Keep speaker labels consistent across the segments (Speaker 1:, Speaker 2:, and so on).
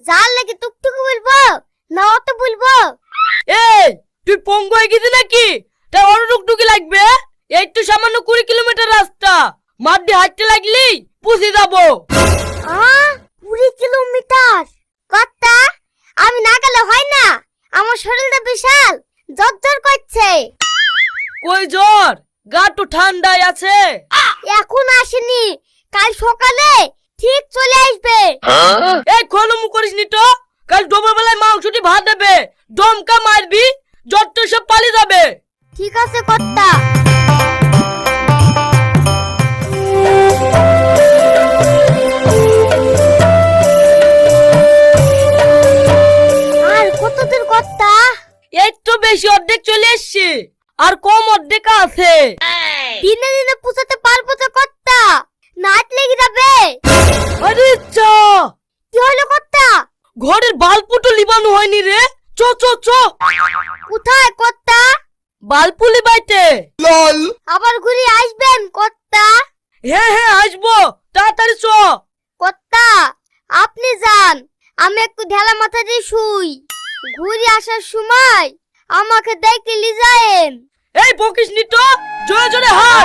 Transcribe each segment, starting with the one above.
Speaker 1: জাল নাকি টুকটুকি বলবো না অত বলবো?
Speaker 2: এই তুই পঙ্গু হয়ে গেছিস নাকি? তা অন্য টুকটুকি লাগবে? এই তো সামান্য 20 কিলোমিটার রাস্তা, মাঠ দিয়ে হাঁটতে লাগলেই পৌঁছে যাবো।
Speaker 1: 20 কিলোমিটার? কর্তা, আমি না গেলে হয় না? আমার শরীরটা বিশাল জ্বর করছে।
Speaker 2: কই জ্বর? গা তো ঠান্ডায় আছে।
Speaker 1: এখন আসেনি, কাল সকালে ঠিক চলে আসবে।
Speaker 2: এই খোলমু করিসনি তো, কাল দুপুর বেলায় মাংসটি ভাত দেবে, দমকা মারবি, জ্বর তো সব পালিয়ে যাবে।
Speaker 1: ঠিক আছে কর্তা। আর কত দূর কর্তা?
Speaker 2: এই তো বেশি, অর্ধেক চলে এসছি, আর কম অর্ধেক আছে।
Speaker 1: দিনে দিনে পুষাতে পারবো তো কর্তা? নাচ লেগে যাবে।
Speaker 2: আরে চা,
Speaker 1: কি হলো কর্তা?
Speaker 2: ঘরের বাল্বটা লিবানো হয়নি রে। চ চ চ।
Speaker 1: কোথায় কর্তা?
Speaker 2: বাল্বু লিবাইতে।
Speaker 1: আবার ঘুরে আসবেন কর্তা?
Speaker 2: হ্যাঁ হ্যাঁ আসবো, তাড়াতাড়ি চ।
Speaker 1: কর্তা, আপনি যান, আমি একটু ঢেলা মাথা দিয়ে শুই। ঘুরে আসার সময় আমাকে দেখতে লি যায়েন।
Speaker 2: এই বকিসনি তো, জোরে জোরে হাত।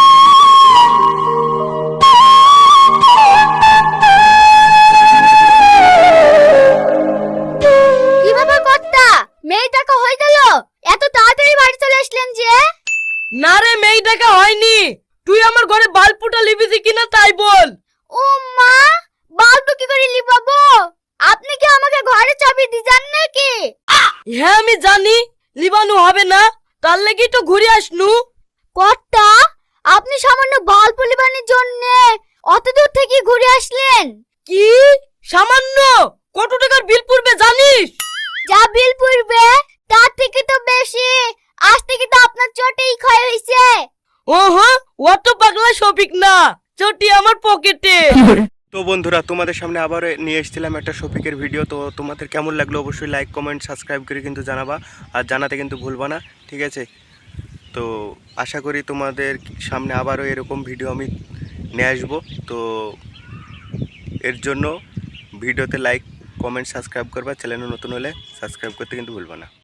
Speaker 1: কিভাবে কর্তা? মেয়েটাকে হয়ে গেল, এত তাড়াতাড়ি বাড়ি চলে আসলেন যে?
Speaker 2: না রে, মেয়েটাকে হয়নি, তুই আমার ঘরে বাল্বটা লিবিছি কিনা তাই বল।
Speaker 1: ও মা, বালু কি করে লিবাবো? আপনি কি আমাকে ঘরে চাবি দিয়ে যান নাকি?
Speaker 2: হ্যাঁ আমি জানি লিবানো হবে না, তার লাগি তো ঘুরে আসনু।
Speaker 1: কর্তা, আপনি সামান্য বাল্ব লিবানোর জন্য অত দূর থেকে ঘুরে আসলেন?
Speaker 2: কি সামান্য? কত টাকার বিল পড়বে জানিস?
Speaker 1: যা বিল পড়বে তার থেকে তো বেশি। আজ থেকে তো আপনার চটেই ক্ষয় হয়েছে।
Speaker 2: ওহো, অত পাগলা শফিক না, চটি আমার পকেটে।
Speaker 3: তো বন্ধুরা, তোমাদের সামনে আবার নিয়ে এসেছিলাম একটা শফিকের ভিডিও। তো তোমাদের কেমন লাগলো অবশ্যই লাইক কমেন্ট সাবস্ক্রাইব করে কিন্তু জানাবা, আর জানাতে কিন্তু ভুলবা না, ঠিক আছে? তো আশা করি তোমাদের সামনে আবারও এরকম ভিডিও আমি নিয়ে আসবো। তো এর জন্য ভিডিওতে লাইক কমেন্ট সাবস্ক্রাইব করবা, চ্যানেলে নতুন হলে সাবস্ক্রাইব করতে কিন্তু ভুলবা না।